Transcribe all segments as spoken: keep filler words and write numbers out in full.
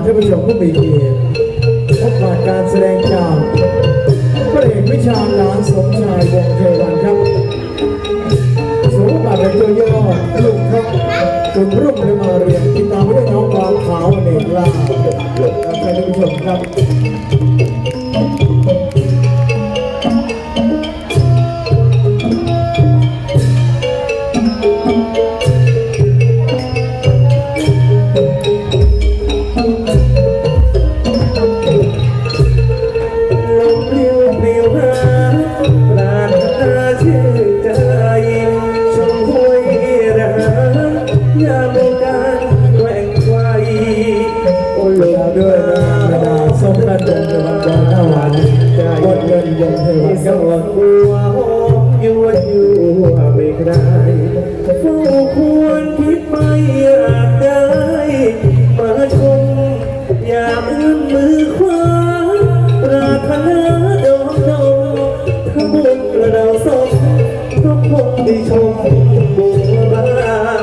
ท่านผู้ชมผู้มีเกียรติพบกับการแสดงจากพระเอกวิชาญหลานสมชายวงศ์เทวันครับสมบัติเป็นตัวย่อลูกครับจุดรุ่งเรืองมาเรียนติดตามด้วยน้องความขาวเอกล่าท่านผู้ชมครับด้วยนะกระดาษส้มกระดงในวันก่อนหน้าวันบนเงินยงเทวันสวัสดิ์บัวยั่วยั่วไม่คลายเฝ้าควรคิดไม่อยากได้มาชมอยากเอื้อมมือคว้าปรารถนาดอกดอกถ้าบุญเราสมก็คงได้ชมบุญบาร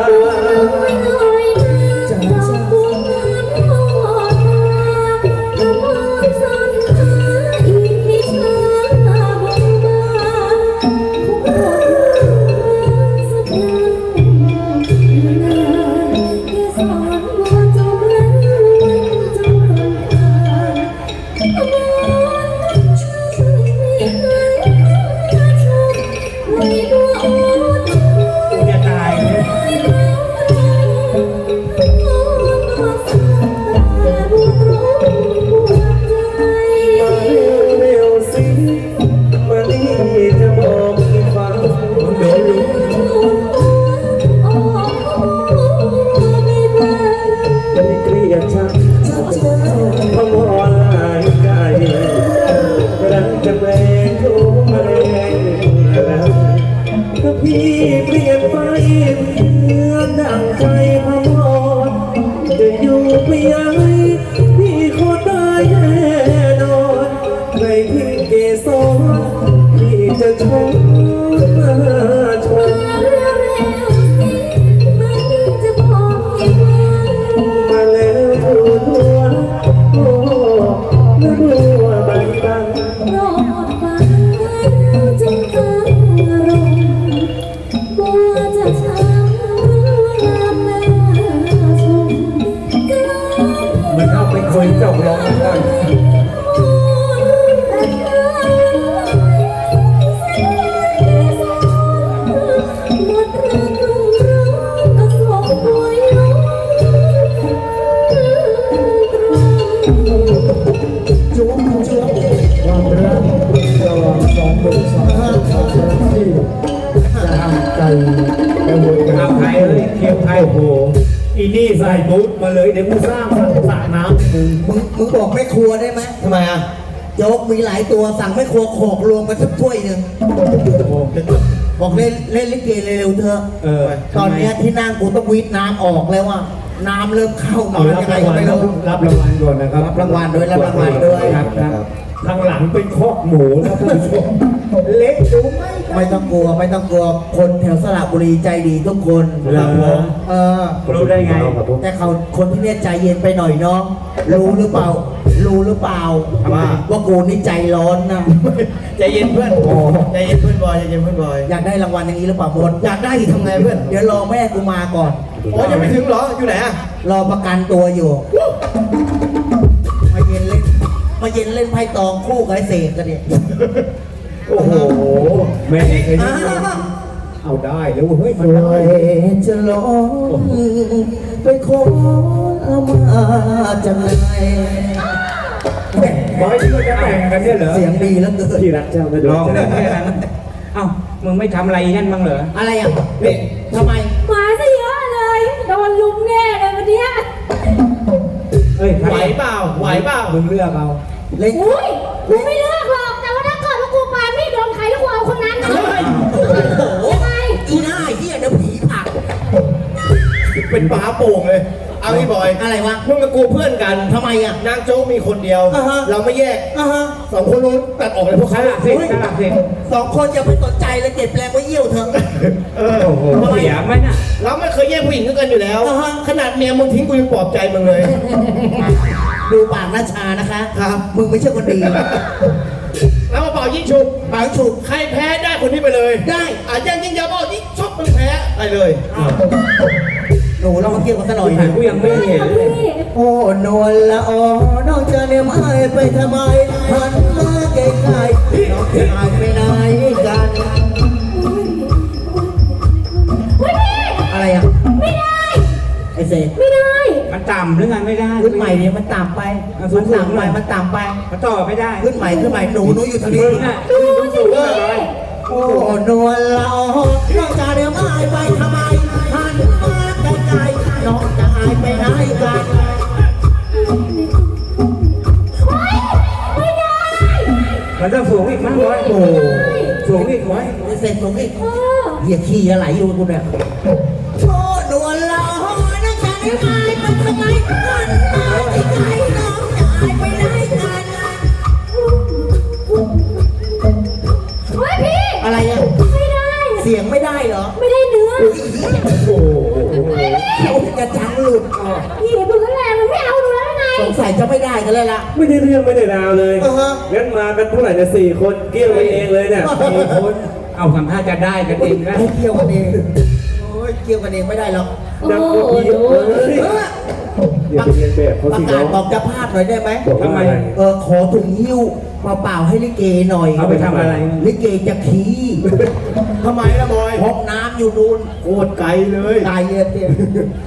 พี่เปลี่ยนไปเหมือนดังใจพมรจะอยู่ไปยังพี่ขอตายแน่นอนในที่เกสรพี่จะชมมาชมมาแล้วทัวโอ้แล้วทัวใบบังมันเอาไปคุยเจ้าร้องได้จุ๊บจุ๊บความรักระหว่างสองคนสองท่านที่จะทำใจไปโวยกันเอาไทยเลยเทียบไทยโหอีนี่ใส่บูทมาเลยเดี๋ยวกูสร้างสระน้ำมึงมึงมึงบอกไม่ครัวได้ไหมทำไมอ่ะโจ๊กมีหลายตัวสั่งไม่ครัวโขกรวมกันสักถ้วยหนึ่งบอกเล่นเล่นลิเกเร็วๆเถอะตอนนี้ที่นั่งกูต้องวีดน้ำออกแล้วว่าน้ำเริ่มเข้ามายังไงก็ไม่รู้รับรางวัลก่อนนะครับรับรางวัลด้วยรับรางวัลด้วยครับข้างหลังเป็นคอกหมูนะท่านผู้ชมเล็กดูไหมไม่ต้องกลัวไม่ต้องกลัวคนแถวสระบุรีใจดีทุกคนครับผมเออรู้ได้ไงแต่เขาคนที่เนี่ยใจเย็นไปหน่อยเนาะรู้หรือเปล่ารู้หรือเปล่าว่าว่ากูนี่ใจร้อนนะใจเย็นเพื่อนใจเย็นเพื่อนบอยใจเย็นเพื่อนบอยอยากได้รางวัลอย่างนี้หรือเปล่าบดอยากได้ทำไงเพื่อนเดี๋ยวรอแม่กูมาก่อนโอ้ยังไม่ถึงเหรออยู่ไหนอะรอประกันตัวอยู่มาเย็นเล่นมาเย็นเล่นไพ่ตองคู่กับไอ้เสกกันเนี่ยโอ้โหแม่ไอ้นี่เอาได้แล้วเฮ้ยมันได้จะร้องไปขอเอามาจากไหนบอยที่เราจะแต่งกันเนี่ยเหรอเสียงดีแล้วเกินที่รักเจ้าไม่ร้องได้แค่นั้นเอ้ามึงไม่ทำอะไรนั่นบ้างเหรออะไรอ่ะนี่ทำไมหมาซะเยอะเลยโดนลุมแน่เลยวันนี้เฮ้ยไหวเปล่าไหวเปล่ามึงเลือกเอาเล็กอุ้ยกูไม่เลือกหรอกแต่ว่าถ้าเกิดว่ากูปาไม่โดนใครแล้วกูเอาคนนั้นนะยังไงอีหน้าเหี้ยเดี๋ยวผีผักเป็นปลาโป่งเลยเอาพี่บอยอะไรวะมึงกับกูเพื่อนกันทำไมอ่ะนางโจ๊กมีคนเดียวเราไม่แยกสองคนนู้นตัดออกเลยพวกเขาสิสองคนอย่าไปสนใจเลยเก็บแรงไว้เยี่ยวเถอะเออเสียไหมน่ะเราไม่เคยแยกผู้หญิงกันอยู่แล้วขนาดเมียมึงทิ้งกูยังปลอบใจมึงเลยหน้าชานะคะครับมึงไม่ใช่คนดีแล้วมาเป่ายิงฉุบปางฉุกใครแพ้ได้คนนี้ไปเลยได้อ่ะยังยิงยาเป่ายิงชุบมึงแพ้ไปเลยหนูเรามาเกี่ยวกันสักหน่อยแต่กูยังไม่เห็นเลยโอ้นวลละออน้องจะเนี่ยไม่ไปทำไมหันมาไกลๆน้องจะหายไปไหนกัน อะไรอ่ะไม่ได้ไอ้เสกไม่ได้มันต่ำหรือไงไม่ได้ขึ้นใหม่เนี่ยมันต่ำไปอ่ะสูมังนๆต่ำไปหน่อยมันต่ำไปมันต่อไม่ได้ขึ้นใหม่ขึ้นใหม่หนูหนูอยู่ทางนี้มึงน่ะดูสิพี่โอ้นวลละออน้องจะเนี่ยไม่ไปทำไมหันมาไกลๆน้องจะหายไปไหนกันไม่ได้มันต้องสูงอีกมั้งร้อยโอ้สูงอีกร้อยไอ้เสกตรงนี้เออเหี้ยขี้อะไรอยู่กูเนี่ยโอ้นวลละออน้องจะเนี่ยไม่ไปทำไมหันมาไกลๆน้องจะหายไปไหนกันเฮ้ยพี่อะไรอ่ะไม่ได้เสียงไม่ได้เหรอไม่ได้เนื้อโอ้โหกระจังหลุดพี่ดูแลมันไม่เอาหนูแล้วไงสงสัยจะไม่ได้กันเลยล่ะไม่ได้เรื่องไม่ได้ราวเลยเออฮะงั้นมากันเท่าไหร่เนี่ยสี่คนเกี่ยวกันเองเลยเนี่ยมีคนเอาสัมภาษณ์จะได้กันเองนะให้เกี่ยวกันเองโอ้ยเกี่ยวกันเองไม่ได้หรอกโอ้ดังกว่าพี่โหเอ้ยอย่าไปเรียนแบบเขาประสิกาน้ศองบอกเจะพลาดหน่อยได้ไหมบอกว่าอะไรเออขอถุงหิ้วเปล่าๆให้ลิเกหน่อยเอาไปทำอะไรลิเกจะขี้ทำไมล่ะบอยพกน้ำอยู่นู่นโคตรไกลเลยตายเลยเตี้ย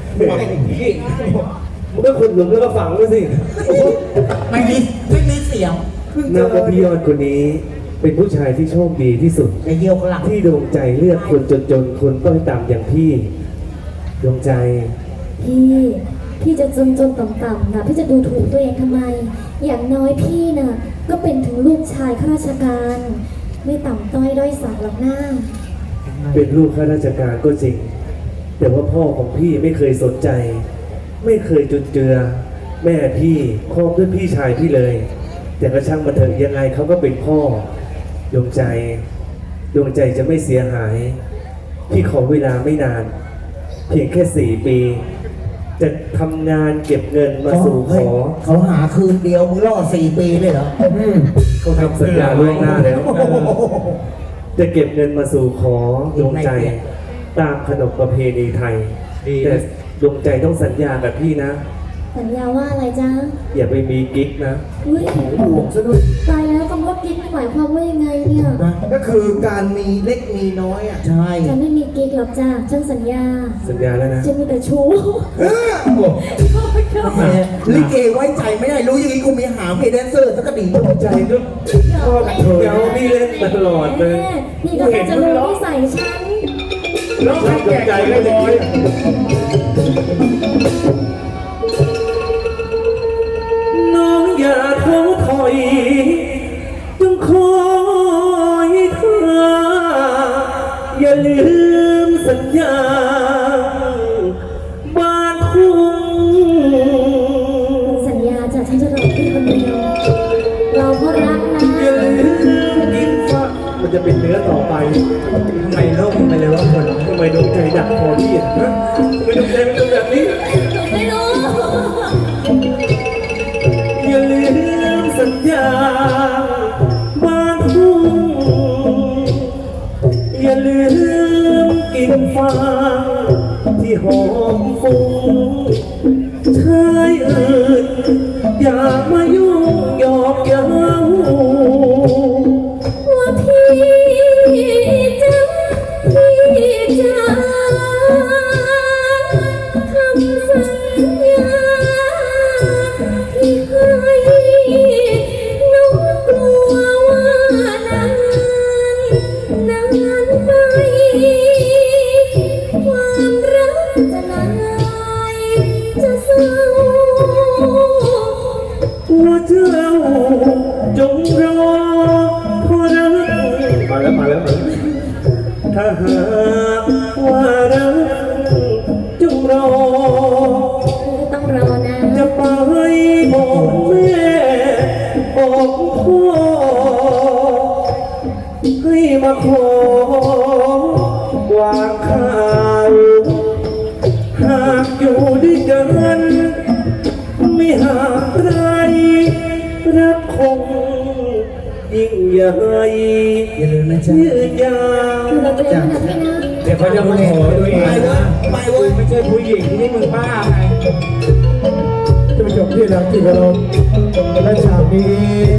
มึงก็ขุดหลุมแล้วก็ฝังด้วยสิไม่มีไม่มีเสียงนับว่าพี่ยอดคนนี้ เป็นผู้ชายที่โชคดีที่สุดไอ้เยี่ยวข้างหลังที่ดวงใจเลือกคนจนๆ คนต้อยต่ำอย่างพี่ ดวงใจพี่พี่จะจนจนต่ำๆนะพี่จะดูถูกตัวเองทำไม อย่างน้อยพี่น่ะก็เป็นถึงลูกชายข้าราชการ ไม่ต่ำต้อยด้อยสักหรอกหน้าเป็นลูกข้าราชการก็จริง แต่ว่าพ่อของพี่ไม่เคยสนใจ ไม่เคยจุนเจือ แม่พี่ครอบด้วยพี่ชายพี่เลย แต่ก็ช่างมาเถอะยังไงเขาก็เป็นพ่อ ดวงใจ ดวงใจจะไม่เสียหาย พี่ขอเวลาไม่นาน เพียงแค่สี่ปี จะทำงานเก็บเงินมาสู่ขอเขาหาคืนเดียวมึงรอดสี่ปีเลยเหรอเขาทำสัญญาล่วงหน้าแล้ว จะเก็บเงินมาสู่ขอดวงใจ ตามขนบประเพณีไทยดีแต่ดวงใจต้องสัญญากับพี่นะสัญญาว่าอะไรจ๊ะอย่าไปมีกิ๊กนะอุ้ยห่วงซะด้วยตายแล้วคำว่ากิ๊กหมายความว่ายังไงเนี่ยก็คือการมีเล็กมีน้อยอ่ะใช่ฉันไม่มีกิ๊กหรอกจ้าฉันสัญญาสัญญาแล้วนะฉันมีแต่ชู้แหมลิเกไว้ใจไม่ได้รู้อย่างนี้กูมีหาเพย์แดนเซอร์สักกระดิ่งใจก็ชอบเธอเดี๋ยวพี่เล่นมาตลอดเลยแม่นี่ก็จะรู้นิสัยฉันแล้วใครแก่ใจเลยบอยน้องอย่าท้อถอยจงคอยเธออย่าลืมสัญญาบ้านทุ่งสัญญาจ้ะฉันจะรอพี่คนเดียวเราเพราะรักนะอย่าลืมกินฟ้ามันจะเป็นเนื้อต่อไปทำไมโลกมันไปเลยว่าคนทำไมดวงใจดักคอพี่อ่ะฮะทำไมดวงใจมันเป็นแบบนี้ไม่รู้อย่าลืมสัญญาบ้านทุ่งอย่าลืมกินฟางที่หอมฟุ้งชายอื่นอย่ามายุ่งหยอกเย้าว่าพี่จะพี่จะคำสัญญาที่ให้น้องกลัวว่านานนานไปความรักจะลายจะเศร้าว่าเจ้าจงรอพอรักมาแล้วมาแล้วถ้าหากว่ารักจงรอต้องรอนะจะไปบอกแม่บอกพ่อให้มาขอวางข่าวหากอยู่ด้วยกันไม่ห่างไกลงยิ่งใหญ่อย่าลืมนะจ๊ะยืนยาวดูแลตัวเองนะพี่นะเดี๋ยวเขาจะมาขอตัวเองไปเว้ยนะไปเว้ยไม่ใช่ผู้หญิงนี่มึงบ้าไงท่านผู้ชมที่รักที่เคารพและฉากนี้